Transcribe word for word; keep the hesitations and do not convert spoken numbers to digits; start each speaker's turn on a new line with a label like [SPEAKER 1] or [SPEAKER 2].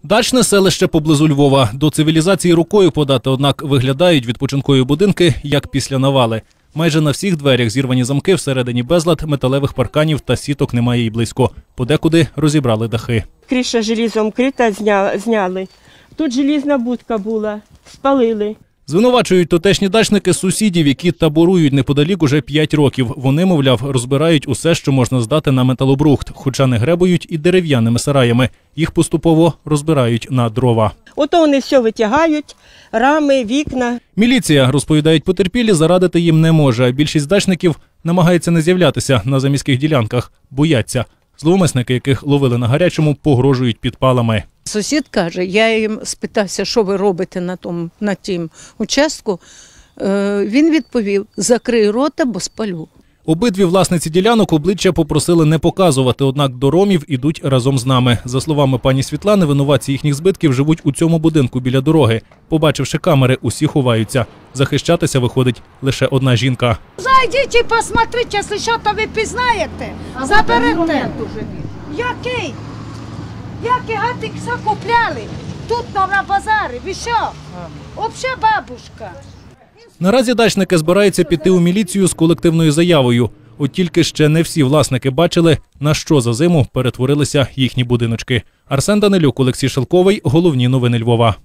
[SPEAKER 1] Дачне селище поблизу Львова. До цивілізації рукою подати, однак виглядають відпочинкові будинки, як після навали. Майже на всіх дверях зірвані замки, всередині безлад, металевих парканів та сіток немає і близько. Подекуди розібрали дахи.
[SPEAKER 2] Криша желізом крита зняли. Тут желізна будка була, спалили.
[SPEAKER 1] Звинувачують тутешні дачники сусідів, які таборують неподалік уже п'ять років. Вони, мовляв, розбирають усе, що можна здати на металобрухт, хоча не гребують і дерев'яними сараями. Їх поступово розбирають на дрова.
[SPEAKER 2] Ото вони все витягають, рами, вікна.
[SPEAKER 1] Міліція, розповідають потерпілі, зарадити їм не може. Більшість дачників намагається не з'являтися на заміських ділянках, бояться. Зловмисники, яких ловили на гарячому, погрожують підпалами.
[SPEAKER 3] Сусід каже, я їм спитався, що ви робите на тому, на тім участку. Е, він відповів, закрий рота, бо спалю.
[SPEAKER 1] Обидві власниці ділянок обличчя попросили не показувати, однак до ромів ідуть разом з нами. За словами пані Світлани, винуватці їхніх збитків живуть у цьому будинку біля дороги. Побачивши камери, усі ховаються. Захищатися виходить лише одна жінка.
[SPEAKER 4] Зайдіть і посмотрите, якщо що, то ви пізнаєте. Заберете. Який? Який гатик закупляли? Тут на базарі. Ви що? Взагалі бабушка.
[SPEAKER 1] Наразі дачники збираються піти у міліцію з колективною заявою. От тільки ще не всі власники бачили, на що за зиму перетворилися їхні будиночки. Арсен Данилюк, Олексій Шелковий. Головні новини Львова.